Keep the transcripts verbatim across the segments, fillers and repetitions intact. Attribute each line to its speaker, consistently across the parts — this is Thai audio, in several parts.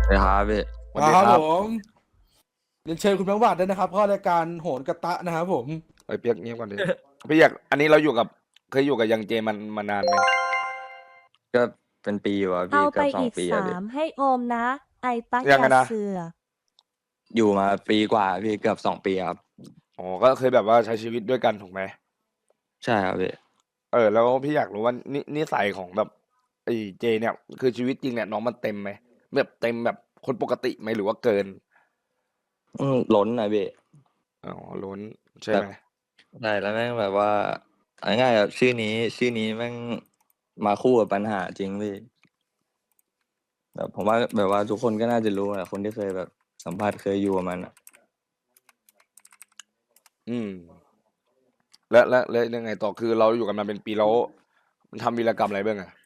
Speaker 1: นะครับพี่
Speaker 2: สวั
Speaker 3: ครั
Speaker 2: สดีครับ
Speaker 3: บผมเรียนเชิญคุณแบงค์วาดด้วยนะครับเข้ารายการโหนกระตะนะครับผม
Speaker 2: ไอ้ยเปียกเงียบก่อนดิพี่อยากอันนี้เราอยู่กับเคยอยู่กับยังเจมันมานานไหม
Speaker 1: ก็เป็นปีอยู่อะพี่
Speaker 4: เอาไป
Speaker 1: เกือบสอง
Speaker 4: อีกสา
Speaker 1: ปีอะพี่
Speaker 4: มให้โอมนะ ไอตัก
Speaker 2: ยังไง
Speaker 4: ยา
Speaker 2: นะ
Speaker 4: เสือ
Speaker 1: อยู่มาปีกว่าพี่เกือบสองปีครับ
Speaker 2: อ๋อก็เคยแบบว่าใช้ชีวิตด้วยกันถูกไหม
Speaker 1: ใช่ครับพี่
Speaker 2: เออแล้วพี่อยากรู้ว่านินิสัยของแบบไอ้เจเนี่ยคือชีวิตจริงเนี่ยน้องมันเต็มไหมแบบเต็มแบบคนปกติไหมหรือว่าเกิน
Speaker 1: อืมล้นนะพี่
Speaker 2: อ๋อล้นใช่
Speaker 1: แบบ
Speaker 2: ไหม
Speaker 1: ใช่แล้วแม่งแบบว่าเอาง่ายๆแบบชื่อนี้ชื่อนี้แม่งมาคู่กับปัญหาจริงพี่แบบผมว่าแบบว่าทุกคนก็น่าจะรู้แหละคนที่เคยแบบสัมผัสเคยอยู่กับมันอะ
Speaker 2: อืมแล้วแล้วแล้วยังไงต่อคือเราอยู่กันมาเป็นปีแล้วมันทำวีรกรรมอะไรบ้างอะ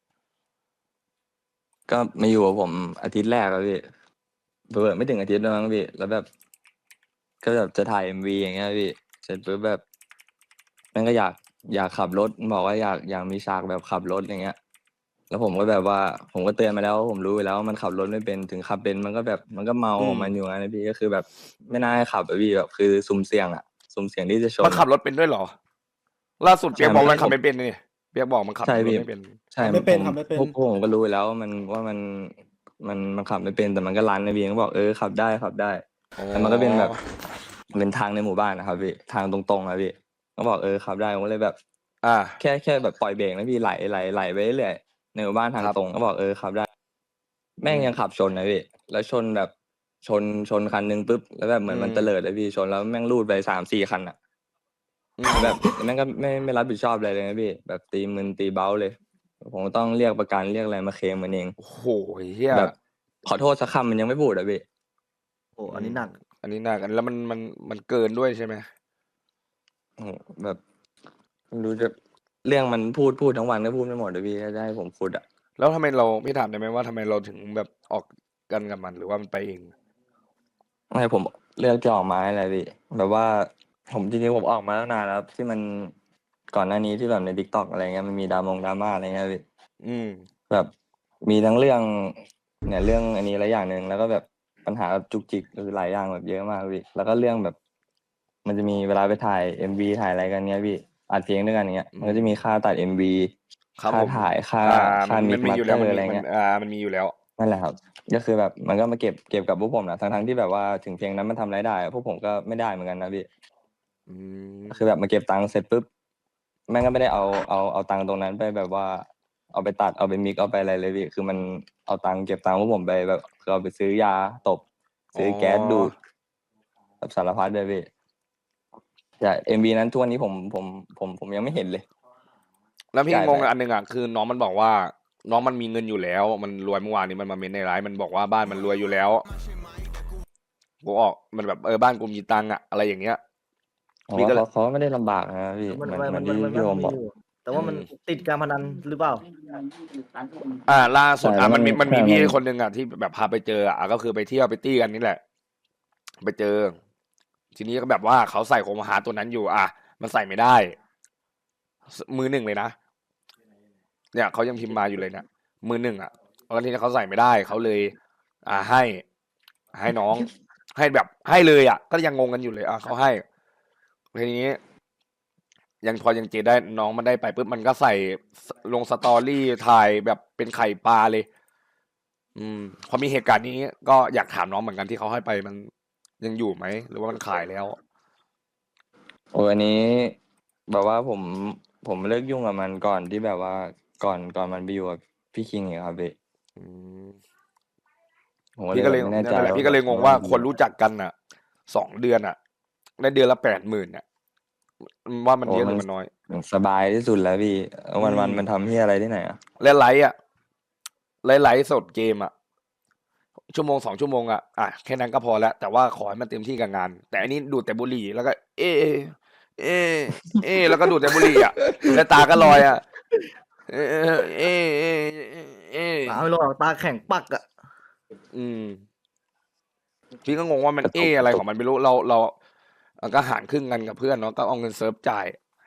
Speaker 1: ก็มาอยู่กับผมอาทิตย์แรกแล้วพี่เปิดไม่ถึงอาทิตย์แล้วมั้งพี่แล้วแบบก็แบบจะถ่ายเอ็มวีอย่างเงี้ยพี่เสร็จปุ๊บแบบแม่งก็อยากอยากขับรถบอกว่าอยากอยากมีฉากแบบขับรถอย่างเงี้ย แล้วผมก็แบบว่าผมก็เตือนมาแล้วผมรู้อยู่แล้วว่ามันขับรถไม่เป็นถึงขับเป็นมันก็แบบมันก็เมา
Speaker 2: อืม
Speaker 1: ของมันอยู่งั้นนะพี่ก็คือแบบไม่น่าให้ขับอะพี่แบบคือสุ่มเสี่ยงอะสุ่มเสี่ยงที่จะชนอะ
Speaker 2: มันขับรถเป็นด้วยเหรอล่าสุดเปี
Speaker 1: ใช่
Speaker 2: ยกบอกมันขับ
Speaker 1: มันผม
Speaker 2: ไม่เป็นนี่เปียกบอกมันขับ
Speaker 1: ใช่พี่
Speaker 2: รถไม่เป็น
Speaker 1: ใช่
Speaker 3: ทำไม่
Speaker 1: ผม
Speaker 3: เป็นทำไม่เป็น
Speaker 1: พวกพวกผมก็รู้อยู่แล้วว่ามันว่ามันมันมันขับไม่เป็นแต่มันก็รันนะพี่ก็บอกเออขับได้ขับได้
Speaker 2: อ๋อ
Speaker 1: แต่มันก็เป็นแบบเป็นทางในหมู่บ้านนะครับพี่ทางตรงๆนะพี่ก็บอกเออขับได้ผมก็เลยแบบ
Speaker 2: อ่า
Speaker 1: แค่แค่แบบปล่อยเบรกนะพี่ไหลไหลไหลไปเรื่อยๆในหมู่บ้าน
Speaker 2: ค
Speaker 1: ทาง
Speaker 2: รับ
Speaker 1: ตรงก็บอกเออขับได้ แม่
Speaker 2: อืม
Speaker 1: งยังขับชนนะพี่แล้วชนแบบชนชนคันหนึ่งปุ๊บแล้วแบบเหมือน
Speaker 2: อืม
Speaker 1: มันเตลิดเลยพี่ชนแล้วแม่งลูดไปสามสี่คันอ่ะ
Speaker 2: อื
Speaker 1: แล้วแบบ
Speaker 2: ม
Speaker 1: แม่งก็ไม่ไม่รับผิดชอบอะไรเลยนะพี่แบบตีมึนตีเบ้าเลยผมก็ต้องเรียกประกันเรียกอะไรมาเคลมมันเอง
Speaker 2: โอ้โหเฮีย
Speaker 1: แบบขอโทษสักคำมันยังไม่พูดอะพี่
Speaker 5: โอ้
Speaker 2: อืม
Speaker 5: อันนี้หนัก
Speaker 2: อันนี้หนักอันแล้วมันมันมันเกินด้วยใช่ไหม
Speaker 1: โอ้โหแบบไม่รู้จะเรื่องมันพูดพูดทั้งวันก็พูดไม่หมดเลยพี่ถ้าจะให้ผมพูดอะ
Speaker 2: แล้วทำไมเราพี่ถามได้ไหมว่าทำไมเราถึงแบบออกกันกับมันหรือว่ามันไปเอง
Speaker 1: ไม่ผมเลือกจะออกมาอะไรพี่แบบว่าผมจริงๆผมออกมาตั้งนานแล้วที่มันก่อนหน้านี้ที่แบบใน TikTok อะไรเงี้ยมันมีดรามงดราม่าอะไรเงี้ยพี่
Speaker 2: อืม
Speaker 1: แบบมีทั้งเรื่องเนี่ยเรื่องอันนี้หลายอย่างหนึ่งแล้วก็แบบปัญหาแบบจุกจิกคือหลายอย่างแบบเยอะมากพี่แล้วก็เรื่องแบบมันจะมีเวลาไปถ่ายเอ็มวีถ่ายอะไรกันเนี้ยพี่อัดเพลงด้วยกันเงี้ย
Speaker 2: อื
Speaker 1: มันก็
Speaker 2: ม
Speaker 1: จะมีค่าตัดเอ็มวีค่า
Speaker 2: ครับผม
Speaker 1: ถ่ายค่า
Speaker 2: อ่ามั
Speaker 1: ค่า
Speaker 2: นมันมี
Speaker 1: มิกมาสเต
Speaker 2: อยู่แล้วมันมี
Speaker 1: อร์อะไรเงี้ย
Speaker 2: มันอ่ามันมีอยู่แล้ว
Speaker 1: นั่นแหละครับก็คือแบบมันก็มาเก็บเก็บกับพวกผมนะทั้งทั้งที่แบบว่าถึงเพลงนั้นมันทำรายได้อะพวกผมก็ไม่ได้เหมือนกันนะพี่
Speaker 2: อืม
Speaker 1: ก็คือแบบมาเก็บตังค์เสร็จปุ๊บแม่งก็ไม่ได้เอาเอาเอาตังค์ตรงนั้นไปแบบว่าเอาไปตัดเอาไปมิกเอาไปอะไรเลยพี่คือมันเอาตังค์เก็บตังค์พวกผมไปแบบคือเอาไปซื้อยาตบ
Speaker 2: อ๋อ
Speaker 1: ซื้อแก๊สดูดแบบสารพัดเลยพี่แต่เอ็มวีนั้นทุกวันนี้ผมผมผมผมยังไม่เห็นเลย
Speaker 2: แล้วพี่
Speaker 1: จ่ายไป
Speaker 2: งงอันหนึ่งอ่ะคือน้องมันบอกว่าน้องมันมีเงินอยู่แล้วมันรวยเมื่อวานนี้มันมาเมนในไลฟ์มันบอกว่าบ้านมันรวยอยู่แล้วกูออกมันแบบเออบ้านกูมีตังค์อ่ะอะไรอย่างเงี้ย
Speaker 1: ผม
Speaker 2: พี่ก็เลย
Speaker 1: ว่าเขาเขาไม่ได้ลำบากนะพี่
Speaker 5: มัน
Speaker 1: เหมือน
Speaker 5: มัน
Speaker 1: เหมือนที่
Speaker 5: มันมันมัน
Speaker 1: พี่โอมบอก
Speaker 5: มีอยู่ แต่
Speaker 2: อื
Speaker 5: ว่ามัน
Speaker 2: ม
Speaker 5: ติดการพนันหรือเปล่า
Speaker 2: อ่าล่าสุดอ่ะ
Speaker 1: ใช่แล้วมัน
Speaker 2: มันมีมัน
Speaker 1: ใช่มัน
Speaker 2: มีพี่คนหนึ่งอ่ะที่แบบพาไปเจออ่ะก็คือไปเที่ยวไปตี้กันนี่แหละไปเจอทีนี้ก็แบบว่าเขาใส่โคมหาตัวนั้นอยู่อ่ะมันใส่ไม่ได้มือหนึ่งเลยนะเนี่ยเขายังพิมพ์มาอยู่เลยเนี่ยมือหนึ่งอ่ะแล้วทีนี้เขาใส่ไม่ได้เขาเลย อ่าให้ให้น้องให้แบบให้เลยอ่ะก็ยังงงกันอยู่เลยอ่ะเขาให้ทีนี้ยังพอยังเจได้น้องมันได้ไปปุ๊บมันก็ใส่ลงสตอรี่ถ่ายแบบเป็นไข่ปลาเลย อืมพอมีเหตุการณ์นี้ก็อยากถามน้องเหมือนกันที่เขาให้ไปมันยังอยู่ไหมหรือว่ามันขายแล้ว
Speaker 1: โอ้อันนี้แบบว่าผมผมเลิกยุ่งกับมันก่อนที่แบบว่าก่อนก่อนมันไปอยู่กับพี่คิงอีกครับพี่
Speaker 2: อืม
Speaker 1: ผมก็เล
Speaker 2: พี่ก็เลย
Speaker 1: ยแบบไม่แน่ใจ
Speaker 2: นั่นแหละ
Speaker 1: ว่า
Speaker 2: พี่ก็เลยงง
Speaker 1: แบบมัน
Speaker 2: ว่าคน
Speaker 1: ดีอะ
Speaker 2: รู้จักกันอ่ะสองเดือนอ่ะได้เดือนละแปดหมื่นเนี่ยว่ามัน
Speaker 1: โอ้มัน
Speaker 2: เยอะหรือมันน้อย
Speaker 1: สบายที่สุดแล้วพี่
Speaker 2: อื
Speaker 1: วันวัน
Speaker 2: ม
Speaker 1: มันทำที่อะไรที่ไหนอ่ะ
Speaker 2: และไลฟ์อ่ะไลฟ์ไลฟ์สดเกมอ่ะชั่วโมงสองชั่วโมงอ่ะอ่ะแค่นั้นก็พอแล้วแต่ว่าขอให้มันเต็มที่กับงานแต่อันนี้ดูดแต่บุหรี่แล้วก็เอเอเอแล้วก็ดูดแต่บุหรี่อ่ะแล้วตาก็ลอยอ่ะเอเอเอเอเอ
Speaker 5: ตาไม่รู้หรอกตาแข็งปักอะ
Speaker 2: อืม พี่ก็งงว่ามัน
Speaker 1: กระตุกกระตุก
Speaker 2: เออะไรของมันไม่รู้เราเราเราก็หารครึ่งกันกับเพื่อนเนาะก็เอาเงินเซิร์ฟจ่าย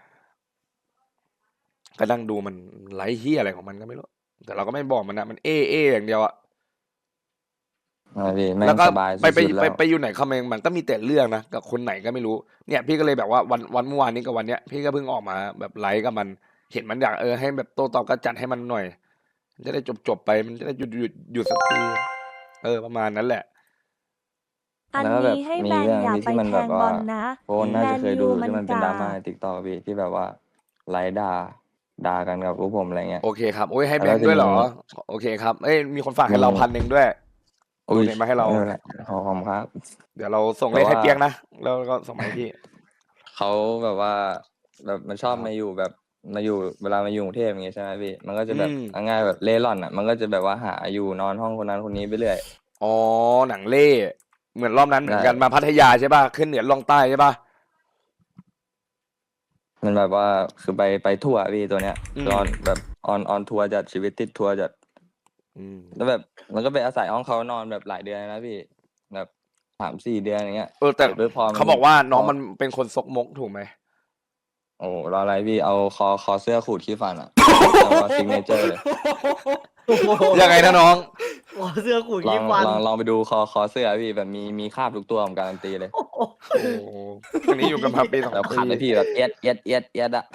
Speaker 2: ก็นั่งดูมันไลฟ์เฮียอะไรของมันก็ไม่รู้แต่เราก็ไม่บอกมันนะมันเอเออย่างเดียวอะ
Speaker 1: อ่าพี่แม่
Speaker 2: แล้ว
Speaker 1: ง
Speaker 2: ก็
Speaker 1: สบาย
Speaker 2: ไปไป
Speaker 1: สุดๆ
Speaker 2: ไป
Speaker 1: แล้ว
Speaker 2: ไปอยู่ไหนคำเองมันก็มีแต่เรื่องนะกับคนไหนก็ไม่รู้เนี่ยพี่ก็เลยแบบว่าวันวันเมื่อวานนี้กับวันเนี้ยพี่ก็เพิ่งออกมาแบบไลฟ์กับมันเห็นมันอยากเออให้แบบโต้ตอบก็จัดให้มันหน่อยมันจะได้จบจบไปมันจะได้หยุดหยุดหยุดสักทีเออประมาณนั้นแหละ
Speaker 4: อัน
Speaker 1: แล้วก็แบบ
Speaker 4: นี้ให้
Speaker 1: มี
Speaker 4: แบน
Speaker 1: เรื่อง
Speaker 4: อย่า
Speaker 1: นี้
Speaker 4: ไป
Speaker 1: ที่มัน
Speaker 4: แท
Speaker 1: แบบ
Speaker 4: งบ
Speaker 1: ว่า
Speaker 4: อลนะ
Speaker 1: โคนน่า
Speaker 4: แม
Speaker 1: จะ
Speaker 4: น
Speaker 1: เคย
Speaker 4: ยู
Speaker 1: ดู
Speaker 4: มั
Speaker 1: ที่
Speaker 4: น
Speaker 1: มันเป็น
Speaker 4: กา
Speaker 1: ดราม่าในติ๊กต็อกพี่ที่แบบว่าไลฟ์ด่าด่ากันกับพวกผมอะไรเงี้ย
Speaker 2: โอเคครับโอ้ยให้
Speaker 1: แล้ว
Speaker 2: แบงค์ด้วยเหรอ
Speaker 1: ทีนี้
Speaker 2: โอเคครับเอ้ยมีคนฝากให้
Speaker 1: มัน
Speaker 2: เราพันหนึ่งด้วย
Speaker 1: อุ้ย
Speaker 2: โดเนทมาให้เรา
Speaker 1: ไม่เป็นไรขอบคุณครับ
Speaker 2: เดี๋ยวเราส่ง
Speaker 1: แต่
Speaker 2: เลขให้
Speaker 1: ว่า
Speaker 2: เปียกนะแล้วก็ส่งมาให้พี่
Speaker 1: เขาแบบว่า แบบมันชอบ
Speaker 2: ครับ
Speaker 1: มาอยู่แบบมาอยู่เวลามาอยู่กรุงเทพอย่างงี้ใช่ไหมพี่มันก็จะแบบ
Speaker 2: อืม
Speaker 1: เอาง่ายแบบเร่ร่อนอ่ะมันก็จะแบบว่าหาอยู่นอนห้องคนนั้นคนนี้ไปเรื่อย
Speaker 2: อ๋อหนังเล่เหมือนรอบนั้นเหมือนกัน
Speaker 1: ใช่
Speaker 2: มาพัทยาใช่ป่ะขึ้นเหนือลงใต้ใช่ป่ะ
Speaker 1: มันแบบว่าคือไปไปทั่วพี่ตัวเนี้ย
Speaker 2: อืม
Speaker 1: คือออนแบบออนออนทัวร์จัดชีวิตติดทัวร์จัด
Speaker 2: อืม
Speaker 1: แล้วแบบมันก็ไปอาศัยห้องเขานอนแบบหลายเดือนนะพี่แบบสามสี่เดือนอย่างเงี้ย
Speaker 2: เออแต่
Speaker 1: เสร็จปุ๊บพอมัน
Speaker 2: เขาบอกว่าน้อง
Speaker 1: พอ
Speaker 2: มันเป็นคนซกมกถูกไหม
Speaker 1: โอ้โหรออะไรพี่เอาคอคอเสื้อขูดขี้ฟันอ่ะ แล้วก็ซิกเนเจอร์เลย
Speaker 2: ยังไงนะน้อง
Speaker 5: หัวเสื้อขูด
Speaker 1: ลอ
Speaker 5: ขี้
Speaker 1: ง
Speaker 5: ฟัน
Speaker 1: ลองลองไปดูคอคอเสื้อพี่แบบมีมีคราบทุกตัวผมการันตีเลย
Speaker 2: โอ้โหอันนี้อยู่กันมาปีสอง
Speaker 1: แบบ
Speaker 2: ปี
Speaker 1: ขัดเลยพี่แบบเอียดเอียดเอียดเอียดอะ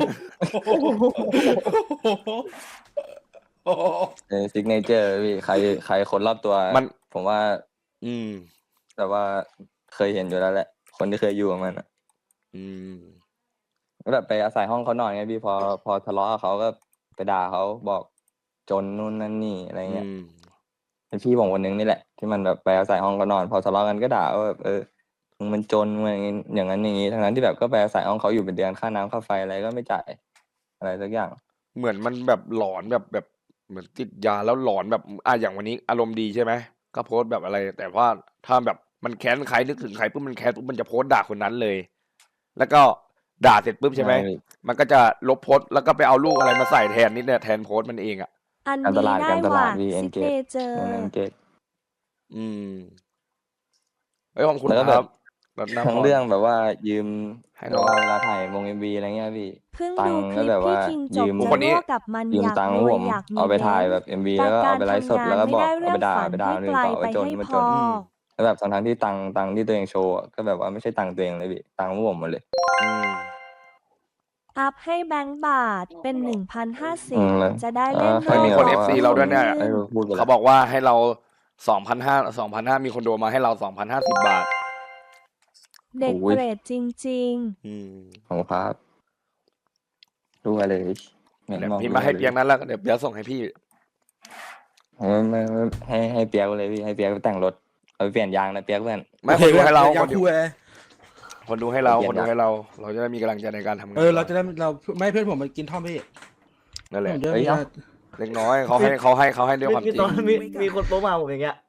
Speaker 1: ซิกเนเจอร์พี่ใครใครคนรอบตัว
Speaker 2: มัน
Speaker 1: ผมว่า
Speaker 2: อืม
Speaker 1: แต่ว่าเคยเห็นอยู่แล้วแหละ คนที่เคยอยู่กับมันอะ
Speaker 2: อืม
Speaker 1: ก็แบบไปอาศัยห้องเขานอนไงพี่พอพอทะเลาะกับเขาก็ไปด่าเขาบอกจนนู่นนั่นนี่อะไร
Speaker 2: อื
Speaker 1: เงี้ย
Speaker 2: ม
Speaker 1: เป็นพี่ผมคนนึงนี่แหละที่มันแบบไปอาศัยห้องเขานอน พอทะเลาะกันก็ด่าว่าแบบเออมึงมันจนมึงอย่างงี้อย่างนั้นอย่างนี้ทั้งนั้นที่แบบก็ไปอาศัยห้องเขาอยู่เป็นเดือนค่าน้ำค่าไฟอะไรก็ไม่จ่ายอะไรสักอย่าง
Speaker 2: เหมือนมันแบบหลอนแบบแบบเหมือนติดยาแล้วหลอนแบบอ่ะอย่างวันนี้อารมณ์ดีใช่ไหมก็โพสต์แบบอะไร แต่ว่าถ้าแบบมันแค้นใครนึกถึงใครปุ๊บมันแค้นปุ๊บมันจะโพสต์ด่าคนนั้นเลย แล้วก็ด่าเสร็จปุ๊บใช่ไหม
Speaker 1: ใช่
Speaker 2: มันก็จะลบโพสต์แล้วก็ไปเอารูปอะไรมาใส่แทนนิดเนี่ยแทนโพสต์มันเองอ่ะ
Speaker 4: อัน
Speaker 1: การต
Speaker 4: นี้
Speaker 1: ลาด
Speaker 4: ได้
Speaker 1: การต
Speaker 4: ห
Speaker 1: ลา
Speaker 4: ว่า
Speaker 1: ดพี่
Speaker 4: ซิ
Speaker 1: Engage
Speaker 4: กเนเจอร์
Speaker 1: มัน Engage
Speaker 2: อืมเฮ้ยขอบคุณ
Speaker 1: แล้วก็
Speaker 2: ค
Speaker 1: แบ
Speaker 2: รับบ รัตนา
Speaker 1: ทั้ง
Speaker 2: พร
Speaker 1: เรื่องแบบว่ายืม
Speaker 2: ให้
Speaker 1: แบ
Speaker 2: น้อบ ง
Speaker 1: ว่าเวลาถ่ายวงเอ็มวีอะไรเงี้ยพี่
Speaker 4: เพิ่ง
Speaker 1: ตั
Speaker 4: ดู
Speaker 1: งค์
Speaker 4: ค
Speaker 1: ก็
Speaker 4: ลิป
Speaker 1: แบบ
Speaker 4: พี่
Speaker 1: ว่า
Speaker 4: คิงจ
Speaker 1: ยื
Speaker 4: บ
Speaker 1: ม
Speaker 4: จะ
Speaker 2: คนนี้
Speaker 4: รั่วกับมัน
Speaker 1: ยืม
Speaker 4: อยาก
Speaker 1: ตังค์
Speaker 4: ร
Speaker 1: พวก
Speaker 4: วย
Speaker 1: ผม
Speaker 4: อยากมี
Speaker 1: เอาไป
Speaker 4: เบ
Speaker 1: ถ่าย
Speaker 4: นซ์
Speaker 1: แบบเอ็มวี
Speaker 4: แต่
Speaker 1: แล้วก็
Speaker 4: กา
Speaker 1: เอา
Speaker 4: ร
Speaker 1: ไปไลฟ์สด
Speaker 4: ทำงา
Speaker 1: แล้
Speaker 4: น
Speaker 1: วก็
Speaker 4: ไม่
Speaker 1: บอก
Speaker 4: ได้
Speaker 1: เอา
Speaker 4: เรื่อ
Speaker 1: ไป
Speaker 4: ง
Speaker 1: ด่า
Speaker 4: ฝัน
Speaker 1: ไปด่า
Speaker 4: ให้
Speaker 1: คนอื่
Speaker 4: ไก
Speaker 1: น
Speaker 4: ล
Speaker 1: ต่อ
Speaker 4: ไป
Speaker 1: ว่าจน
Speaker 4: ให้
Speaker 1: ว่า
Speaker 4: พ
Speaker 1: จน
Speaker 4: อ
Speaker 2: อืม
Speaker 1: แล้วแบบทั้งๆที่ตังค์ตังค์ที่ตัวเองโชว์อะก็แบบว่าไม่ใช่ตังค์ตัวเองเลยพี่ตังค์พวกผมหมดเลย
Speaker 2: อืม
Speaker 4: อัพให้แบงค์บาทเป็นหนึ่งพันห้าสิ
Speaker 1: อื
Speaker 4: บ
Speaker 1: มแล้ว
Speaker 4: จะได้
Speaker 1: เอ
Speaker 4: เล่
Speaker 1: อน ใคร
Speaker 2: มี
Speaker 4: โล
Speaker 2: คน
Speaker 1: แบบ
Speaker 2: เอฟ
Speaker 1: ว่า
Speaker 2: ซีเราด้วยเนี่ย
Speaker 1: ไอ้พูดไป
Speaker 2: เขา
Speaker 1: แล้ว
Speaker 2: บอกว่าให้เราสองพันห้าสองพันห้ามีคนโดมาให้เราสองพันห้าสิบบาท
Speaker 4: เด็ก
Speaker 1: โอ้ย
Speaker 4: เกรดจริง
Speaker 2: อืม
Speaker 1: ของครับรู้อะไรเลยเห็น
Speaker 2: เดี๋ยว
Speaker 1: มอง
Speaker 2: พี่
Speaker 1: รู้
Speaker 2: มา
Speaker 1: อะไร
Speaker 2: ให้
Speaker 1: เล
Speaker 2: เปียก
Speaker 1: ย
Speaker 2: นั้นแล้วเดี๋ยวเปียกส่งให้พี่
Speaker 1: ไม่ไม่ไม่ให้ให้เปียกเลยพี่ให้เปียกไปแต่งรถเอาไปเปลี่ยนยางนะเปียกเพื่อน
Speaker 2: ไม่คนดูให้เรา
Speaker 3: อยา
Speaker 2: ค
Speaker 3: ก
Speaker 2: นดู
Speaker 3: คุยเลย
Speaker 2: คนดูให้เรา
Speaker 1: เปลี่
Speaker 2: ค
Speaker 1: ยน
Speaker 2: นดู
Speaker 1: ยาง
Speaker 2: ให้เรา เราจะได้มีกำลังใจในการทำงาน
Speaker 3: เออเรา
Speaker 2: ต่
Speaker 3: จะได้เราไม่เพื่อนผมมันกินท่อมพี่
Speaker 2: นั่นแหละ
Speaker 3: ผมจะ
Speaker 1: เฮ้ย
Speaker 3: มี
Speaker 1: เอ้า
Speaker 2: เล็กน้อยเขาให้เขาให้เขาให้ด้วย
Speaker 5: มี
Speaker 2: ความ
Speaker 5: มี
Speaker 2: จริ
Speaker 5: ตอง นมีมีคนโป๊มาผมอย่างเงี้ย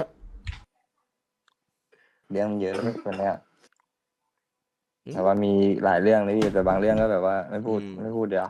Speaker 1: เรื่องมันเยอะคนเนี้ยแต่ว่ามีหลายเรื่องเลยพี่แต่บางเรื่องก็แบบว่าไม่พูด
Speaker 2: อืม
Speaker 1: ไม่พูดเดี๋ยว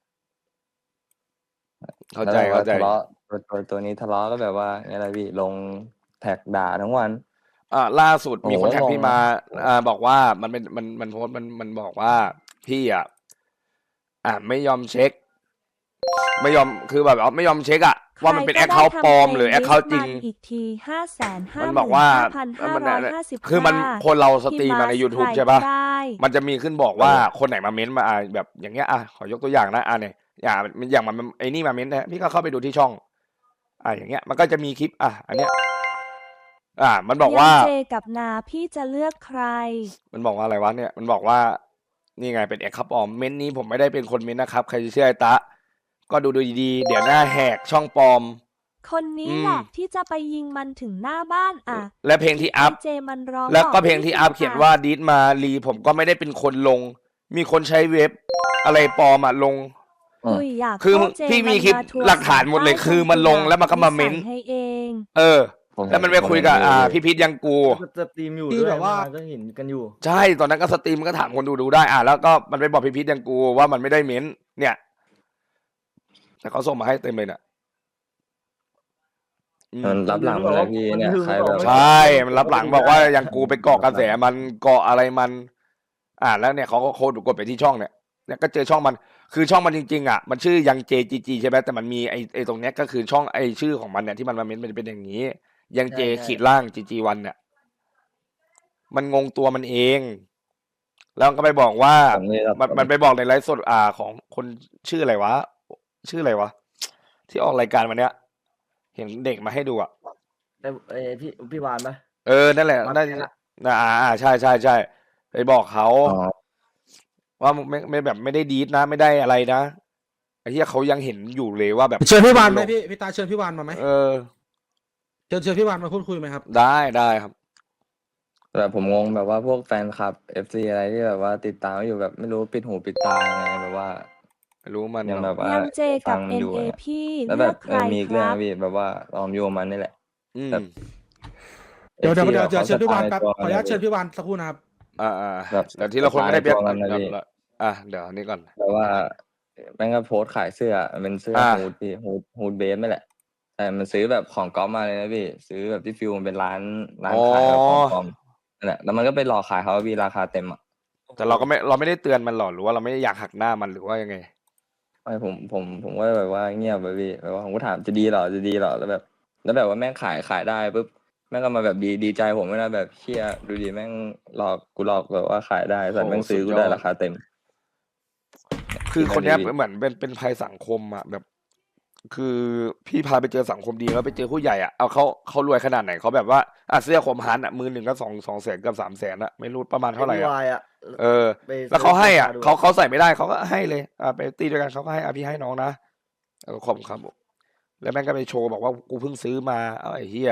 Speaker 2: เข้า
Speaker 1: แล้ว
Speaker 2: ใจ
Speaker 1: แบบว่า
Speaker 2: เข้าใจ
Speaker 1: ทะเลาะตัวตัวตัวนี้ทะเลาะก็แบบว่าอะไรพี่ลงแท็กด่าทั้งวัน
Speaker 2: อ่าล่าสุด
Speaker 1: โอ้โห
Speaker 2: มีคนแท็ก
Speaker 1: งง
Speaker 2: พี่มา
Speaker 1: นะ
Speaker 2: อ่าบอกว่ามันเป็นมันมันโพสต์มันมันบอกว่าพี่อ่ะอ่าไม่ยอมเช็ค ไม่ยอมคือแบบว่าไม่ยอมเช็คอะ
Speaker 4: ๆ
Speaker 2: ว่ามันเป็น
Speaker 4: ใค
Speaker 2: แอ
Speaker 4: ร
Speaker 2: ค
Speaker 4: ก็
Speaker 2: เคาท์
Speaker 4: ได้
Speaker 2: ปลอม
Speaker 4: ทำ
Speaker 2: หรือแอคเคาท์จริง
Speaker 4: มันอีกทีห้าแสนห้า
Speaker 2: มัน
Speaker 4: ห
Speaker 2: บ
Speaker 4: มื่
Speaker 2: อก
Speaker 4: น
Speaker 2: ว่า
Speaker 4: ห้าพันห้า
Speaker 2: มัน
Speaker 4: ร้อยห้าสิบ
Speaker 2: คือมันคนเราสตรีมมาใน YouTube ใช่ปะ มันจะมีขึ้นบอกว่าคนไหนมาเม้นต์มาอ่าแบบอย่างเงี้ยอ่ะขอยกตัวอย่างนะอ่ะเนี่ยอย่างอย่างมันไอ้นี่มาเม้นต์นะพี่ก็เข้าไปดูที่ช่อง อ่ะอย่างเงี้ย มันก็จะมีคลิป อ่ะ อันเนี้ย อ่า มันบอกว่า
Speaker 4: ยังเจกับนาพี่จะเลือกใคร
Speaker 2: มันบอกว่าอะไรวะเนี่ย มันบอกว่า นี่ไงเป็นแอคครับปลอมเม้นต์นี้ผมไม่ได้เป็นคนเม้นต์นะครับ ใครจะเชื่อไอ้ตะ ก็ดูดูดีๆ เดี๋ยวหน้าแหกช่องปลอม
Speaker 4: คนนี้
Speaker 2: อืม
Speaker 4: แหละที่จะไปยิงมันถึงหน้าบ้านอ่ะ
Speaker 2: และเพลงที่อัพ
Speaker 4: ไเจมันร้อง
Speaker 2: แล้วก็
Speaker 4: บอก
Speaker 2: เพลงที่
Speaker 4: พี่
Speaker 2: อัพเขียนว่าดีดมารีผมก็ไม่ได้เป็นคนลง มีคนใช้เว็บ อะไรปลอมอ่ะลง
Speaker 4: คุยอยาก
Speaker 2: คือ
Speaker 4: เข้าเจ
Speaker 2: พี่มี
Speaker 4: น
Speaker 2: คลิป
Speaker 4: าทัวร์
Speaker 2: หลักฐานหมดเลย
Speaker 4: ใต้
Speaker 2: คือมันลงแล้วมันก็มาเม้น
Speaker 4: ใส่ให้เอง
Speaker 2: เออ
Speaker 1: ผม
Speaker 2: แล้วมันไปคุยกับ
Speaker 1: ผมเห็น
Speaker 2: อ่า
Speaker 1: เลย
Speaker 2: พี่พิษยังกู
Speaker 5: สตรีมอยู่
Speaker 3: ที่
Speaker 5: ด้วย
Speaker 3: แบบว่า
Speaker 5: ก็เห็นกันอยู่
Speaker 2: ใช่ ตอนนั้นก็สตรีมก็ถามคนดูดูได้ อ่ะ แล้วก็มันไปบอกพี่พิษยังกูว่ามันไม่ได้เม้น เนี่ย แต่เขาส่งมาให้เต็มเลยน่ะอืม
Speaker 1: มันรับหลังหมดเลยพี่เนี่ยใครแบบ
Speaker 2: ใช่ มันรับหลังบอกว่ายังกูไปเกาะกระแสมันเกาะอะไรมัน อ่าแล้วเนี่ยเขาก็โค้ดกดไปที่ช่องเนี่ย เนี่ยก็เจอช่องมัน คือช่องมันจริงๆอ่ะ มันชื่อยังเจจีจีใช่ไหมแต่มันมีไอไอตรงเนี้ยก็คือช่องไอชื่อของมันเนี่ยที่มันมาเม้นมันจะเป็นอย่างนี้ยังเจ
Speaker 5: ใช่ใช่
Speaker 2: ขีดล่างจีจีวันเนี่ยมันงงตัวมันเอง แล้วก็ไปบอกว่า
Speaker 1: ผมนี่แบบ
Speaker 2: มันมันไปบอกในไลฟ์สดอ่าของคนชื่ออะไรวะ ชื่ออะไรวะ ที่ออกรายการวันเนี้ย เห็นเด็กมาให้ดูอ่ะ
Speaker 5: แต่เอ้ยพี่พี่วานปะ
Speaker 2: เออ นั่นแหละ
Speaker 5: วาน
Speaker 2: นั่น
Speaker 5: แก๊งอะ
Speaker 2: นะอ่าอ่าใช่ใช่ใช่ไปบอกเขา
Speaker 1: อ๋อ
Speaker 2: ว่าไม่ไม่แบบไม่ได้ดีดนะ ไม่ได้อะไรนะไอ้ที่เขายังเห็นอยู่เลยว่าแบบ
Speaker 3: เชิญพี่วานไหมพี่พี่ตาเชิญพี่วานมาไหม
Speaker 2: เออ
Speaker 3: เชิญเชิญพี่วานมาพูดคุยไหมครับ
Speaker 2: ได้ได้ครับ
Speaker 1: แบบผมงงแบบว่าพวกแฟนคลับ เอฟ ซี อะไรที่แบบว่าติดตามอยู่แบบไม่รู้ปิดหูปิดตายังไงแบบว่า
Speaker 2: ไม่รู้มัน
Speaker 1: ยังแบบว่า
Speaker 4: ยังเจ
Speaker 1: ฟั
Speaker 4: กับ
Speaker 1: ง
Speaker 4: เอ็
Speaker 1: อ
Speaker 4: น
Speaker 1: ยู่
Speaker 4: เอ
Speaker 1: เนี่ย
Speaker 4: พี่
Speaker 1: แล้ว
Speaker 4: เลื
Speaker 1: แบ
Speaker 4: อบ กใค
Speaker 1: เอ
Speaker 4: ร
Speaker 1: อมีอีก
Speaker 4: ค
Speaker 1: เรื่อง
Speaker 4: รับ
Speaker 1: นะพี่แบบว่าลอมโยมมันนี่แหละ
Speaker 2: อืม
Speaker 1: แบบ
Speaker 3: เดี๋ยวเดี๋ยว
Speaker 1: เอฟซี
Speaker 3: เดี๋ยวเดี๋ยวเชิญพี่วาน
Speaker 1: ข
Speaker 3: แป๊บ
Speaker 1: ส
Speaker 3: ขออนุญาต
Speaker 1: ไตัว
Speaker 3: เชิญพี่วานสักครู่นะครับ
Speaker 2: อ่าอ่า
Speaker 1: แบบ
Speaker 2: เดี๋ยวที่เราคนไม่ได้เปียก
Speaker 1: ตัว
Speaker 2: ก่
Speaker 1: มั
Speaker 2: อน
Speaker 1: นนะ
Speaker 2: ก่อน
Speaker 1: พี่
Speaker 2: ละอ่ะเดี๋ยวอันนี้ก่อน
Speaker 1: แบบว่าแม่งก็โพสต์ขายเสื้อเป็นเสื้อ
Speaker 2: อ่า
Speaker 1: ฮูดพี่ฮูดฮูดเบสไม่แหละแต่มันซื้อแบบของก๊อปมาเลยนะพี่ซื้อแบบที่ฟิวมันเป็นร้านร้านขายแบบของปลอมนั่นแหละแล้วมันก็ไปหลอกขายเขาพี่ราคาเต็มอ่ะ
Speaker 2: แต่เราก็ไม่เราไม่ได้เตือนมันหรอกหรือว่าเราไม่ได้อยากหักหน้ามันหรือว่ายังไง
Speaker 1: ไม่ผมผมผมก็แบบว่าเงียบไปพี่แบบว่าผมก็ถามจะดีเหรอจะดีเหรอแล้วแบบ แล้วแบบว่าแม่งขายขายได้ปุ๊บแม่งก็มาแบบดีดีใจผมไม่นะแบบเชี่ยดูดีแม่งหลอกกูหลอกแบบว่าขายได้แต่
Speaker 2: โอ้
Speaker 1: แม่งซื้อ
Speaker 2: สุ
Speaker 1: กู
Speaker 2: ดยอด
Speaker 1: ได้ราคาเต็ม
Speaker 2: คือคนเนี้ย
Speaker 1: ดี
Speaker 2: เหมือนเป็นเป็นภัยสังคมอ่ะแบบ คือพี่พาไปเจอสังคมดีแล้วไปเจอผู้ใหญ่อ่ะเอาเขาเขารวยขนาดไหนเขาแบบว่าอ่ะเสื้อคมฮันอ่ะมือหนึ่งก็สองสองแสนกับสามแสนอ่ะไม่รู้ประมาณเท่าไหร่
Speaker 5: พี่
Speaker 2: อ่ะ
Speaker 5: วายอะ
Speaker 2: เออ
Speaker 5: ไป
Speaker 2: แล้วเขาให้อ่ะ
Speaker 5: ซื้
Speaker 2: เขาเขาใส่ไม่ได้เขาก็ให้เลยอ่ะไปตีด้วยกันเขาก็ให้อ่ะพี่ให้น้องนะเออขอบคุณครับแล้วแม่งก็ไปโชว์บอกว่ากูเพิ่งซื้อมาเอาไอ้เหี้ย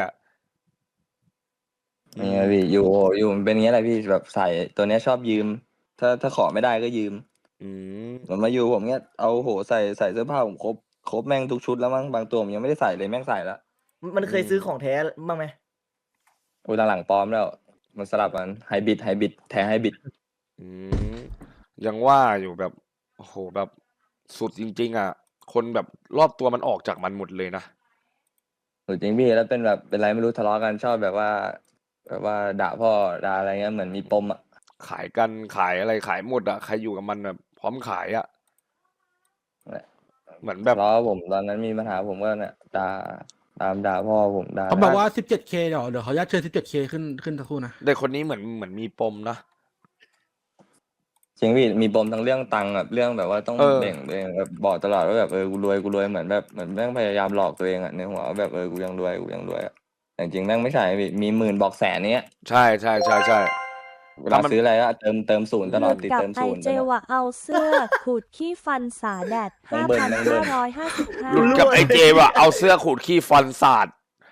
Speaker 1: นี่ไงพี่อยู่อยู่มันเป็นอย่างเงี้ยแหละพี่แบบใส่ตัวเนี้ยชอบยืม ถ้าถ้าขอไม่ได้ก็ยืม
Speaker 2: อืม
Speaker 1: เหมือนมาอยู่ผมเนี้ยเอาโหใส่ใส่เสื้อผ้าผมครบครบแม่งทุกชุดแล้วมั้งบางตัวผมยังไม่ได้ใส่เลยแม่งใส่แล้ว
Speaker 5: มันเคยซื้อของแท้บ้างไหม
Speaker 1: โอ้ยหลังๆปลอมแล้ว มันสลับกันไฮบริดไฮบริดแท้ไฮบริด
Speaker 2: อืมยังว่าอยู่แบบโอ้โหแบบสุดจริง ๆ อ่ะ คนแบบรอบตัวมันออกจากมันหมดเลยนะ
Speaker 1: สุดจริงพี่แล้วเป็นแบบเป็นไรไม่รู้ทะเลาะกันชอบแบบว่า แบบว่าด่าพ่อด่าอะไรเงี้ยเหมือนมีปมอ่ะ
Speaker 2: ขายกันขายอะไรขายหมดอ่ะใครอยู่กับมันแบบพร้อมขายอ่ะ
Speaker 1: แหละ
Speaker 2: เหมือนแบบ
Speaker 1: ทะเลาะผมตอนนั้นมีปัญหาผมก็เนี่ยด่าตามด่าพ่อผมด่า
Speaker 3: เขาบอกว่า สิบเจ็ดเค เดี๋ยวเดี๋ยวขออนุญาตเชิญ สิบเจ็ดเค ขึ้นขึ้นสักครู่นะ
Speaker 2: เด็กคนนี้เหมือนเหมือนมีปมนะ
Speaker 1: จริงพี่มีปมทั้งเรื่องตังค์แบบเรื่องแบบว่าต้อง
Speaker 2: เออ
Speaker 1: แบ่งตัวเองแบบบอกตลอดว่าแบบเออกูรวยกูรวยเหมือนแบบเหมือนแม่งพยายามหลอกตัวเองอ่ะในหัวว่าแบบเออกูยังรวยกูยังรวยอะแต่จริงๆแม่งไม่ใช่พี่มีหมื่นบอกแสนเนี้ย
Speaker 2: ใช่ใช่ใช่ใช่
Speaker 1: เวลาซื้ออะไรก็เติมเติมศูนย์ตลอด
Speaker 4: หลุ
Speaker 1: ติด
Speaker 4: กับ
Speaker 1: เติม
Speaker 4: ไอ
Speaker 1: ศูนย์
Speaker 4: เจ
Speaker 1: ไปนะ
Speaker 4: วะเอาเสื้อ ขูดขี้ฟันสาแดด
Speaker 1: น้อ
Speaker 4: ห้าง
Speaker 1: เบิ้ล
Speaker 4: พัน
Speaker 1: น้องเบิ้
Speaker 4: ห้า
Speaker 1: ล
Speaker 4: ร้อยห้าสิบห้า
Speaker 2: หลุดกับไอเจว่ะเอาเสื้อขูดขี้ฟันสาด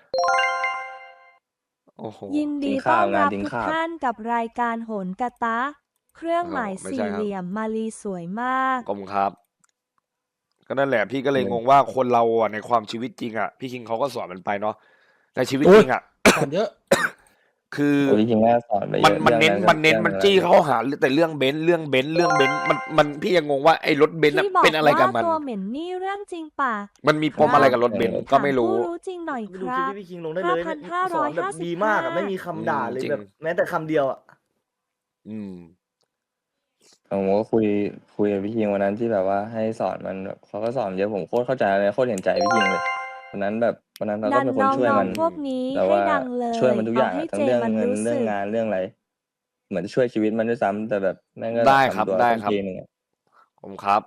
Speaker 2: โอ้โห
Speaker 4: ยินดี
Speaker 1: ทิ้ง
Speaker 4: ต้
Speaker 1: ข้า
Speaker 4: อ
Speaker 1: วน งาน
Speaker 4: รับ
Speaker 1: ทิ้ง
Speaker 4: ทุก
Speaker 1: ข้าว
Speaker 4: ท่านกับรายการโหนกระตะ เครื่องหมาย
Speaker 2: อ๋อไม่
Speaker 4: สี่
Speaker 2: ใช่ครับ
Speaker 4: เหลี่ยมมาลีสวยมาก
Speaker 2: ขอบคุณครับ ก็นั่นแหละพี่ก็เลย
Speaker 1: อืม
Speaker 2: งงว่าคนเราอ่ะในความชีวิตจริงอ่ะพี่คิงเขาก็สอนมันไปเนาะในชีวิต
Speaker 3: โอ้
Speaker 2: จ
Speaker 3: ย
Speaker 2: ริงอ่ะ
Speaker 3: สอนเยอะ
Speaker 2: คือ
Speaker 1: โอ้ยจริงๆแม่สอนไปเย
Speaker 2: มัน
Speaker 1: อะ
Speaker 2: มัน
Speaker 1: เรื่อง
Speaker 2: เน้น
Speaker 1: ก็
Speaker 2: มันเน้น
Speaker 1: รื่อง
Speaker 2: มัน
Speaker 1: อะไร
Speaker 2: จี้เข้าหาแต่เรื่องเบนซ์เรื่องเบนซ์เรื่องเบนซ์มันมันพี่ยังงงว่าไอ้รถเบนซ์น่ะ
Speaker 4: ที่บอก
Speaker 2: เป็นอะไรกับ
Speaker 4: ว่า
Speaker 2: มัน
Speaker 4: ตัวเหม็นนี่เรื่องจริงป่ะ
Speaker 2: มันมีปมอะไรกับรถเบนซ์ก็ไม่รู้
Speaker 4: ถาผู้รู้จริงหน่อยค
Speaker 5: ดู
Speaker 4: รั
Speaker 5: คลิป
Speaker 4: บ
Speaker 5: ที่พี่คิงลงได้เลย
Speaker 4: ห้าพันห้า
Speaker 5: ส
Speaker 4: ร้
Speaker 5: อ
Speaker 4: อน ย
Speaker 5: แบบ
Speaker 4: ห้าสิบ
Speaker 5: ดีมากอะ
Speaker 4: ห้า
Speaker 5: ไม่มีคำด่าเลย
Speaker 2: จริง
Speaker 5: แบบ แม้แต่คำเดียวอะ
Speaker 2: อืม
Speaker 1: ผมก็คุยคุยกับพี่คิงวันนั้นที่แบบว่าให้สอนมันแบบเขาก็สอนเยอะผมโคตรเข้าใจเลยโคตรเห็นใจพี่คิงเลยวันนั้นแบบวันนั้นเรา
Speaker 4: ดั
Speaker 1: ก็
Speaker 4: น
Speaker 1: เป็นคน
Speaker 4: น้
Speaker 1: ช่วย
Speaker 4: อง
Speaker 1: มัน
Speaker 4: ๆพวกนี้
Speaker 1: แต่
Speaker 4: ให้
Speaker 1: ว่า
Speaker 4: ดังเลย
Speaker 1: ช่วยมันทุกอ
Speaker 4: เอา
Speaker 1: ย่าง
Speaker 4: ให้
Speaker 1: อะทั้
Speaker 4: เจ
Speaker 1: งเรื่อง
Speaker 4: มัน
Speaker 1: เงิน
Speaker 4: รู้
Speaker 1: เรื่อ
Speaker 4: สึ
Speaker 1: ง
Speaker 4: ก
Speaker 1: งานเรื่องอะไร เหมือนจะช่วยชีวิตมันด้วยซ้ำแต่แบบแม่งก็
Speaker 2: ได้ครับ
Speaker 1: ทำตัว
Speaker 2: ได้
Speaker 1: ต้น
Speaker 2: ครับ
Speaker 1: ทีหนึ่งอะ
Speaker 2: ผมครับ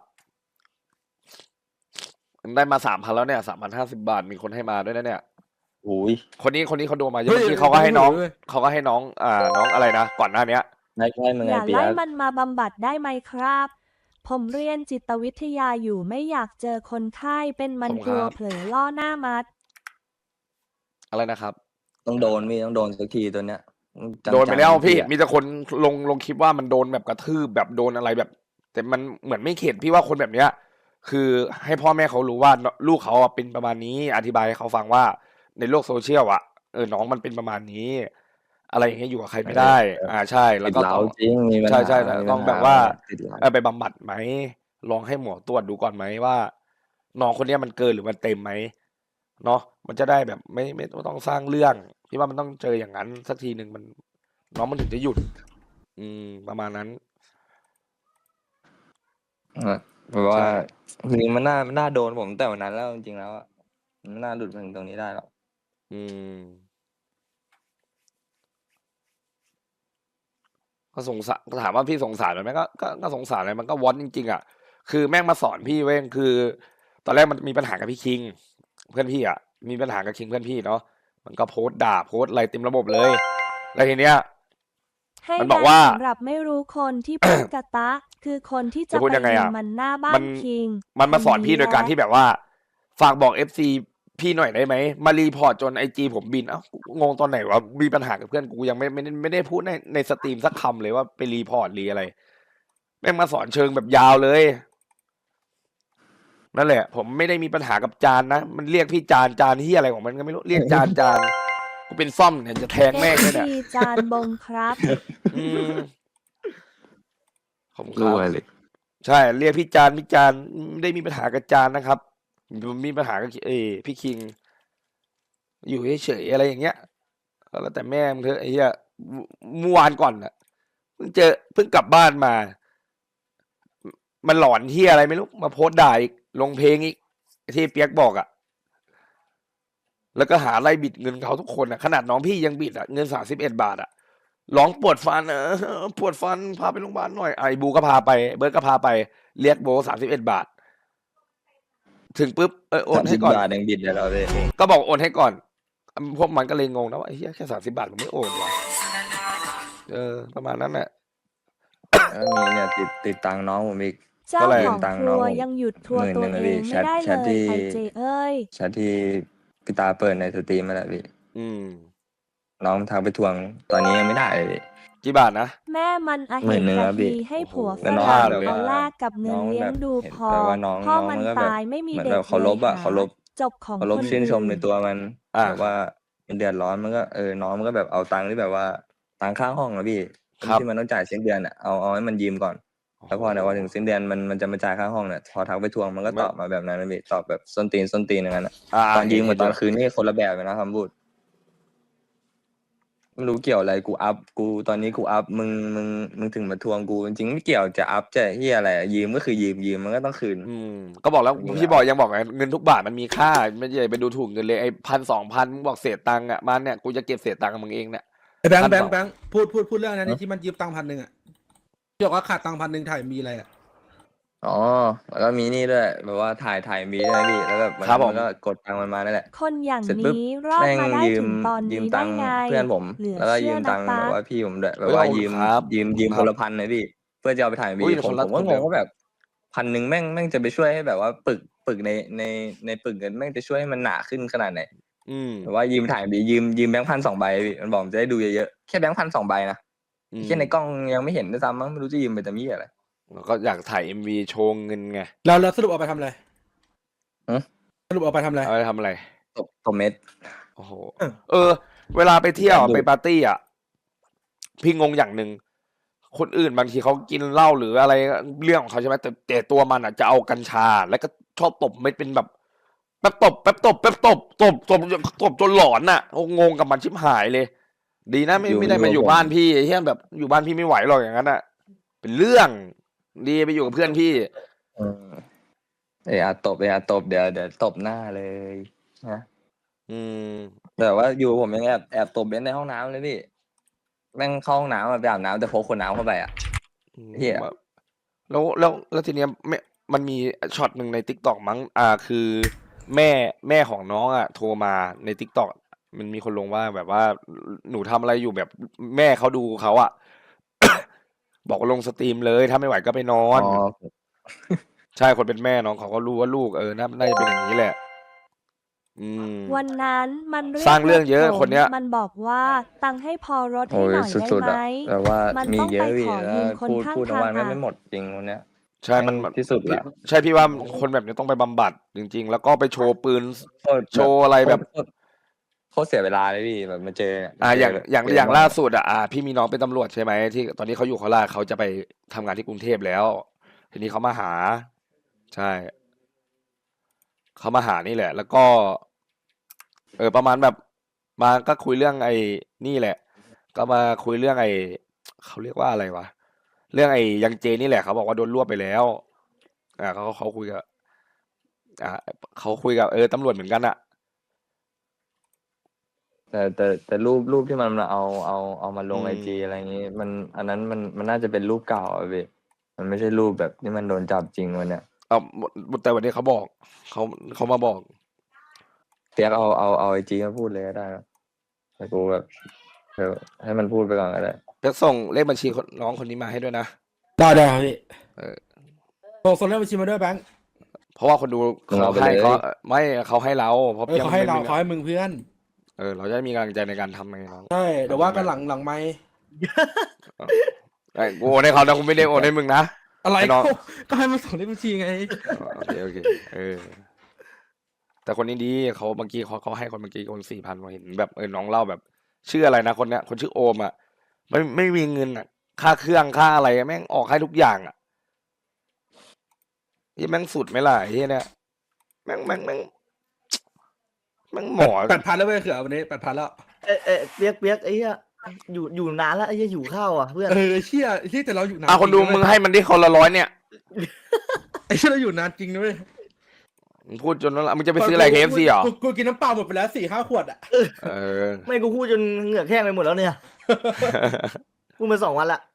Speaker 2: ได้มาสามพันแล้วเนี่ยสามพันห้าสิบาทมีคนให้มาด้วยนะเนี่ย
Speaker 1: โอ้ย
Speaker 2: คนนี้คนนี้เขาโดนมาเย
Speaker 3: เฮ้
Speaker 2: อะ
Speaker 3: ย
Speaker 2: เมื่อกี้เขาก็ให้น้อง
Speaker 3: เฮ้ย
Speaker 2: เขาก็ให้น้อง อ่า น้องอะไรนะก่อนหน้าเนี้ย
Speaker 1: ได้ใช่มึง
Speaker 4: อ
Speaker 1: ไง
Speaker 4: ย่า
Speaker 1: เปีย
Speaker 4: ไล่
Speaker 1: ก
Speaker 4: มันมาบำบัดได้ไหมครับ ผมเรียนจิตวิทยาอยู่ไม่อยากเจอคนไข้เป็นมัน
Speaker 2: ผม
Speaker 4: กลัว
Speaker 2: ครับ
Speaker 4: เผลอล่อหน้ามัด
Speaker 2: อะไรนะครับ
Speaker 1: ต้องโดนพี่ต้องโดนสักทีตัวเนี้ยจังๆ
Speaker 2: โดนไปแล้ว
Speaker 1: สักที
Speaker 2: พี่
Speaker 1: อะ
Speaker 2: มีแต่คนลงลงคลิปว่ามันโดนแบบกระทืบแบบโดนอะไรแบบ แต่มันเหมือนไม่เข็ดพี่ว่าคนแบบเนี้ย คือให้พ่อแม่เขารู้ว่าลูกเขาอะเป็นประมาณนี้ อธิบายให้เขาฟังว่าในโลกโซเชียลอะเออน้องมันเป็นประมาณนี้ อะไรอย่างเงี้ยอยู่กับใครไม่ได้ อ่าใช่ แล้ว
Speaker 1: ติด
Speaker 2: ก็
Speaker 1: เหล้า
Speaker 2: ต้อง
Speaker 1: จริงมีปัญ
Speaker 2: ใช่
Speaker 1: หา
Speaker 2: ใช่แต่
Speaker 1: มี
Speaker 2: ต้อง
Speaker 1: ปัญหา
Speaker 2: แบบว่า
Speaker 1: ติดเหล้า
Speaker 2: เออไปบำบัดไหมลองให้หมอตรวจดูก่อนไหมว่าน้องคนเนี้ยมันเกินหรือมันเต็มไหมเนาะมันจะได้แบบไม่ไม่ไม่ต้องสร้างเรื่องพี่ว่ามันต้องเจออย่างนั้นสักทีหนึ่งมัน น้องมันถึงจะหยุด อืม ประมาณนั้น
Speaker 1: อ่ะเพราะว่า
Speaker 2: ใช่
Speaker 1: จริงๆมันน่ามันน่าโดนผมแต่วันนั้นแล้วจริงๆแล้วอะมันไม่น่าหลุดมาถึงตรงนี้ได้หรอก
Speaker 2: อืมก็สงสารถามว่าพี่สงสารมันไหมก็ก็ก็สงสารเลยมันก็วอนจริงๆอ่ะคือแม่งมาสอนพี่เว้ยคือ ตอนแรกมันมีปัญหากับพี่คิง เพื่อนพี่อ่ะมีปัญหากับคิงเพื่อนพี่เนาะมันก็โพสต์ด่าโพสต์อะไรเต็มระบบเลยแล้วทีเนี้ย
Speaker 4: ให้
Speaker 2: มันบอกว่า
Speaker 4: แดนสำหรับไม่รู้คนที่พูดกะตะ คือคนที่จะ
Speaker 2: จะพูด
Speaker 4: ไป
Speaker 2: ยังไง
Speaker 4: ยิ
Speaker 2: อะ
Speaker 4: งมันหน้าบ้า
Speaker 2: มัน น
Speaker 4: คิง
Speaker 2: มันมาสอน
Speaker 4: ค
Speaker 2: พี่โดยการ
Speaker 4: แหละ
Speaker 2: ที่แบบว่า ฝากบอกเอฟซีพี่หน่อยได้ไหมมารีพอร์ตจนไอจีผมบินเอ้างงตอนไหนวะมีปัญหากับเพื่อนกูยังไม่ไม่ได้ไม่ได้พูดในในสตรีมสักคำเลยว่าไปรีพอร์ตรีอะไรแม่งมาสอนเชิงแบบยาวเลย นั่นแหละ ผมไม่ได้มีปัญหากับจานนะ มันเรียกพี่จานจานที่อะไรของมันก็ไม่รู้เรียกจานจานกูเป็นซ่อมเนี่ยจะแทง
Speaker 4: เอ
Speaker 2: แม่ง
Speaker 4: ฟ
Speaker 2: เลยเนี่ย
Speaker 4: ซีจานบงครับ
Speaker 2: อืมผมค
Speaker 1: รั่
Speaker 2: รับ
Speaker 1: วเลย
Speaker 2: ใช่ เรียกพี่จานพี่จานไม่ได้มีปัญหากับจานนะครับผมมีปัญหากับเออพี่คิง อยู่เฉยๆอะไรอย่างเงี้ยก็แล้วแต่แม่มึงเถอะไอ้เหี้ยเมื่อวานก่อนอ่ะเพิ่งเจอเพิ่งกลับบ้านมา มันหลอนเหี้ยอะไรไม่รู้มาโพสต์ด่าอีกลงเพลงอีกที่เปียกบอกอ่ะ แล้วก็หาไล่บิดเงินเขาทุกคนอ่ะขนาดน้องพี่ยังบิดอ่ะเงินสามสิบเอ็ดบาทอ่ะร้องปวดฟันเออปวดฟันพาไปโรงพยาบาลหน่อยไอ้บูก็พาไป เบิร์ดก็พาไปเรียกโบสามสิบเอ็ดบาท ถึงปุ๊บเออโอ
Speaker 1: สาน ม
Speaker 2: ให้
Speaker 1: สิบ
Speaker 2: ก่อน
Speaker 1: บาทยังบิดเลยเราเลย
Speaker 2: ก็บอกโอนให้ก่อน พวกมันก็เลยงงนะว่าไอ้เหี้ยแค่สามสิบาทผมไม่โอนวะเออ ประมาณนั้นแหละ
Speaker 1: แล้วมีเนี่ยติดติดตังค์น้องผมอีก
Speaker 4: เจ้า
Speaker 2: เท่าไหร่
Speaker 4: ของ
Speaker 1: ตังค์
Speaker 4: ค
Speaker 1: น้
Speaker 4: รั
Speaker 1: อง
Speaker 4: ว
Speaker 1: ผม
Speaker 4: ยังหยุดทัวร์
Speaker 1: หมื่น
Speaker 4: ตัว
Speaker 1: หนึ่ง
Speaker 4: เอ
Speaker 1: นะพี่
Speaker 4: งไม่ได้
Speaker 1: แชท
Speaker 4: เล
Speaker 1: แชท
Speaker 4: ย
Speaker 1: ที่
Speaker 4: ไอเจเอ้ย
Speaker 1: แชทที่พี่ตาเปิดในสตรีมมาแหละพี่
Speaker 2: อืม
Speaker 1: น้องทักไปทวงตอนนี้ยังไม่ได้เลยพี่
Speaker 2: กี่บาทนะ
Speaker 4: แม่มันอา
Speaker 1: ห
Speaker 4: เห
Speaker 1: มื่น
Speaker 4: ตุ
Speaker 1: หนึ่ง
Speaker 4: กะ
Speaker 1: ครับพี่
Speaker 4: ทีให้ผัว
Speaker 2: โอ้โห
Speaker 4: ฝ
Speaker 1: แล้วน้อง
Speaker 4: รั่ง
Speaker 1: แบบ
Speaker 4: เอา
Speaker 1: ว่า
Speaker 4: แลกกับเงิน
Speaker 1: น้อง
Speaker 4: เลี้ย
Speaker 1: แบ
Speaker 4: ง
Speaker 1: บ
Speaker 4: ดู
Speaker 1: เห็น
Speaker 4: พอ
Speaker 1: แบบว่าน้อง
Speaker 4: พ่อ
Speaker 1: น้อง
Speaker 4: มัน
Speaker 1: มันก็แบบ
Speaker 4: ตายไม่มี
Speaker 1: เหมือน
Speaker 4: เด็
Speaker 1: แบ
Speaker 4: ก
Speaker 1: บเคารพ
Speaker 4: เลย
Speaker 1: อะ
Speaker 4: หา
Speaker 1: เคารพ
Speaker 4: จบของ
Speaker 1: เคารพ
Speaker 4: คน
Speaker 1: ชื่นชมใน
Speaker 4: อื่น
Speaker 1: ตัวมัน
Speaker 2: อ่า
Speaker 1: แบบว่ามันเดือดร้อนมันก็เออน้องมันก็แบบเอาตังค์ที่แบบว่าตังค่าห้องนะพี่
Speaker 2: ครับ
Speaker 1: ที่มันต้องจ่ายสิ้นเดือนอะเอาเอาให้มันยืมก่อน แล้วพอเนี่ยพอถึงสิ้นเดือนมันมันจะมาจ่ายค่าห้องเนี่ยพอทักไปทวงมันก็ตอบมาแบบนั้นนะพี่ตอบแบบส้นตีนส้นตีนอย่างนั้นอะ
Speaker 2: อ่า
Speaker 1: ตอนยืมกับตอน
Speaker 2: เห็
Speaker 1: คืนนี่คนละแบบเลยนะคำพูดไม่รู้เกี่ยวอะไรกูอัพกูตอนนี้กูอัพมึงมึงมึงถึงมาทวงกูจริงๆไม่เกี่ยวจะอัพจะเฮียอะไรอะยืมก็คือยืมยืมมันก็ต้องคืน
Speaker 2: อืม ก็บอกแล้ว
Speaker 1: จริงๆ
Speaker 2: พี่บอกยังบอกไงเงินทุกบาทมันมีค่า ไม่ใช่ไปดูถูกเงินเลยไอ้พันสองพันมึงบอกเศษตังค์อ่ะมันเนี่ยกูจะเก็บเศษตังค์กับมึงเองเนี่ย
Speaker 3: ไอ้แบง
Speaker 2: พั
Speaker 3: ค์
Speaker 2: น
Speaker 3: แบง
Speaker 2: สอง
Speaker 3: ค์แบงค์พูดพูดพูดเรื่องนั้น
Speaker 1: ฮะ
Speaker 3: ที่มันยืมตังค์พันหนึ่งอ่ะพี่บอกว่าขาดตังค์พันหนึ่งถ่ายมีอะไรอ่ะ
Speaker 1: อ๋อแล้วก็มีนี่ด้วยแบบว่าถ่ายถ่ายมีด้วยนะพี่แล้วแบบมัน
Speaker 2: ครับผม
Speaker 1: มันก็กดตังค์มันมานั่นแหละ
Speaker 4: คนอย่าง
Speaker 1: เสร็จปุ๊บ
Speaker 4: นี้รอด
Speaker 1: แม่ง
Speaker 4: มาได้
Speaker 1: ยื
Speaker 4: ถึ
Speaker 1: ม
Speaker 4: งตอน
Speaker 1: ยืม
Speaker 4: นี้
Speaker 1: ตั
Speaker 4: ได้
Speaker 1: งค์
Speaker 4: ไง
Speaker 1: เพื่อนผม
Speaker 4: เหลือ
Speaker 1: แล้วก็
Speaker 4: เชื่
Speaker 1: ยื
Speaker 4: อ
Speaker 1: ม
Speaker 4: นะ
Speaker 1: ตังค์
Speaker 4: ตา
Speaker 1: แบบว่าพี่ผมด้วยแบบ
Speaker 2: เฮ้ย
Speaker 1: ว่า
Speaker 2: ขอบคุณ
Speaker 1: ยืม
Speaker 2: ครับ
Speaker 1: ยืมยืม
Speaker 2: ค
Speaker 1: ครับ นละพันเลยพี่เพื่อจะเอาไปถ่าย
Speaker 2: อุ้
Speaker 1: วี
Speaker 2: ย
Speaker 1: ผม
Speaker 2: คนละ
Speaker 1: ผมก็
Speaker 2: คน
Speaker 1: ง
Speaker 2: เดีย
Speaker 1: ง
Speaker 2: ว
Speaker 1: ว่าแบบพันหนึ่งแม่งแม่งจะไปช่วยให้แบบว่าปึกปึกในในในปึกเงินแม่งจะช่วยให้มันหนาขึ้นขนาดไหน
Speaker 2: อืม
Speaker 1: แบบว่ายืมถ่ายวียืมยืมแบงค์พันสองใบพี่มันบอกมันจะได้ดูเยอะๆแค่แบงค์พันสองใบนะ
Speaker 2: อืม
Speaker 1: แค่ในกล้องยังไม่เห็นด้วยซ้ำมั้งไม่รู้จะยืมไปแต่มี่อะไร
Speaker 2: ก็อยากถ่ายเอ็มวีโชว์เงินไง
Speaker 3: แล้วแล้วสรุปเอาไปทำอะไร
Speaker 1: ฮะ
Speaker 3: สรุปเอาไปทำอะไร
Speaker 2: เอาไปทำอะไร
Speaker 1: ตบตบเม็ด
Speaker 2: โอ้โห เออ เวลาไปเที่ยว
Speaker 1: ดู
Speaker 2: ไปปาร์ตี้อ่ะ พี่งงอย่างหนึ่ง คนอื่นบางทีเขากินเหล้าหรืออะไรเรื่องของเขาใช่ไหมแต่แต่ตัวมันอ่ะจะเอากัญชา แล้วก็ชอบตบเม็ดเป็นแบบแป๊บตบแป๊บตบแป๊บตบตบตบตบจนหลอนน่ะโอ้งงกับมันชิบหายเลย ดีนะไม่
Speaker 1: อยู่
Speaker 2: ไม่ได้มา
Speaker 1: อยู่
Speaker 2: อยู่
Speaker 1: ผม
Speaker 2: บ้านพี่ไอ้เฮียแบบอยู่บ้านพี่ไม่ไหวหรอกอย่างนั้นอ่ะ เป็นเรื่อง ดีไปอยู่กับเพื่อนพี่
Speaker 1: เออเอออาตบเออาตบเดี๋ยวเดี๋ยวตบหน้าเลยนะ
Speaker 2: อืม
Speaker 1: แต่ว่าอยู่ผมยังแอบแอบตบเบนซ์ในห้องน้ำเลยพี่แม่งเข้าห้องน้ำอะไปอาบน้ำแต่พกขวดน้ำเข้าไปอ่ะ เหี้ย
Speaker 2: แล้วแล้วแล้วทีเนี้ยไม่มันมีช็อตหนึ่งในทิกตอกมั้งอ่าคือแม่แม่ของน้องอ่ะโทรมาในทิกตอกมันมีคนลงว่าแบบว่าหนูทำอะไรอยู่แบบแม่เขาดูเขาอ่ะ บอกว่าลงสตรีมเลยถ้าไม่ไหวก็ไปนอน
Speaker 1: อ๋อ
Speaker 2: ใช่คนเป็นแม่น้องเขาก็รู้ว่าลูกเออน่าน่าจะเป็นอย่างนี้แหละ อืม
Speaker 4: วันนั้นมันเรียก
Speaker 2: สร้างเรื่องเยอะ
Speaker 4: ผม
Speaker 2: คนเนี้ย
Speaker 4: มันบอกว่าตังค์ให้พอรถให้
Speaker 1: โอ้ย
Speaker 4: หน่อยได้
Speaker 1: สุด
Speaker 4: ไห
Speaker 1: ๆ
Speaker 4: ม
Speaker 1: อ่ะแต่ว่า
Speaker 4: มัน
Speaker 1: มี
Speaker 4: ต้อง
Speaker 1: เย
Speaker 4: ไป
Speaker 1: อะพี่
Speaker 4: ขอ
Speaker 1: แล้
Speaker 4: ยื
Speaker 1: ว
Speaker 4: มคน
Speaker 1: พูด
Speaker 4: ข้าง
Speaker 1: พูดทั้ง
Speaker 4: ทา
Speaker 1: วัน
Speaker 4: ง
Speaker 1: แม่ง
Speaker 4: อะ
Speaker 1: ไม่หมดจริงคนเนี้ย
Speaker 2: ใช่มัน
Speaker 1: แม่งที่สุดละ
Speaker 2: ใช่พี่ว่าคนแบบนี้ต้องไปบำบัดจริง ๆ แล้วก็ไปโชว์ปืน
Speaker 1: โคตร
Speaker 2: โชว์อะไรแบบ
Speaker 1: โคตรโคตรเสียเวลาเลยพี่แบบมาเจอเนี่ย
Speaker 2: อ่าอย่าง
Speaker 1: เจ
Speaker 2: อย่าง
Speaker 1: เจ
Speaker 2: อย่าง
Speaker 1: น้
Speaker 2: ล่าสุดอ่ะอ่าพี่มีน้องเป็นตำรวจใช่ไหมที่ตอนนี้เขาอยู่โคราชเขาจะไปทำงานที่กรุงเทพแล้ว ทีนี้เขามาหา ใช่เขามาหานี่แหละ แล้วก็ เออประมาณแบบมาก็คุยเรื่องไอ้นี่แหละ ก็มาคุยเรื่องไอ้เขาเรียกว่าอะไรวะเรื่องไอ้ยังเจนี่แหละเขาบอกว่าโดนรวบไปแล้ว อ่าเขาเขาคุยกับอ่าเขาคุยกับเออตำรวจเหมือนกันอะ
Speaker 1: แแต่แต่แต่รูปรูปที่มันเอาเอาเอามาลง
Speaker 2: อืม
Speaker 1: ไอจีอะไรอย่างงี้ มันอันนั้นมันมันน่าจะเป็นรูปเก่าอะพี่มันไม่ใช่รูปแบบที่มันโดนจับจริงวันเนี้ย
Speaker 2: เอาแต่วันนี้เขาบอกเขาเขามาบอก
Speaker 1: เปียกเอาเอาเอาไอจีมาพูดเลยก็ได้ครับแต่กูแบบเออให้มันพูดไปก่อนก็ได้
Speaker 2: เปียกส่งเลขบัญชีคนน้องคนนี้มาให้ด้วยนะ
Speaker 3: ได้ได้ครับพี่
Speaker 2: เออ
Speaker 3: ส่งส่งเลขบัญชีมาด้วยแบงค์
Speaker 2: เพราะว่าคนดู
Speaker 1: มึงเอา
Speaker 2: เขา
Speaker 1: ไป
Speaker 2: ให้
Speaker 1: เลย
Speaker 2: เขาไม่เขาให้เราเพราะ
Speaker 3: เออ
Speaker 2: ปียก
Speaker 3: เขาให้เรา
Speaker 2: ไม่มี
Speaker 3: เขาให้มึงเพื่อน
Speaker 2: เออเราจะได้มีกำลังใจในการทำไงน้อง
Speaker 3: ใช่เดี๋ยวว่ากันหลังหลังไม่
Speaker 2: ไอ้กูโอนให้เขานะกูไม่ได้โอนให้มึงนะ
Speaker 3: อะไร
Speaker 2: ให้น้อง
Speaker 3: ก็ก็ให้มันส่งเลขบัญชีไง
Speaker 2: โอเคโอเคเออ แต่คนนี้ดีเขาเมื่อกี้เขาเขาให้คนเมื่อกี้คนสี่พันเห็นแบบเออน้องเล่าแบบชื่ออะไรนะคนเนี้ยคนชื่อโอมอ่ะไม่ไม่มีเงินอ่ะ ค่าเครื่องค่าอะไรแม่งออกให้ทุกอย่างอ่ะยี่แม่งสุดไหมล่ะไอ้เหี้ยเนี่ยแม่งแม่งแม่งแม่งหมอ
Speaker 3: แปดพันแล้วเว้ยเขือวันนี้แปดพันแล้ว
Speaker 5: เอยเอยเปียกเปียกไอ้เหี้ยอยู่อยู่นานแล้วไอ้เหี้ยอยู่ข้าวอ่ะเพื่อน
Speaker 3: เออเชี่ยเชี่ยแต่เราอยู่นาน
Speaker 2: อ่ะคนดู
Speaker 3: จริ
Speaker 2: มึง
Speaker 3: นะเว้ย
Speaker 2: ให้มันที่คนละร้อยเนี่ย
Speaker 3: ไอ้เชี่ยเราอยู่นานจริงนะเว้ย
Speaker 2: มึงพูดจนว่ามึงจะไปซื้ออะไรเคเอฟซีเหรอ
Speaker 3: กูกูกินน้ำเปล่าหมดไปแล้วสี่ห้าขวดอ่ะ
Speaker 2: เออ
Speaker 5: ไม่กูพูดจนเหงือกแห้งไปหมดแล้วเนี่ย พูดมาสองวันละ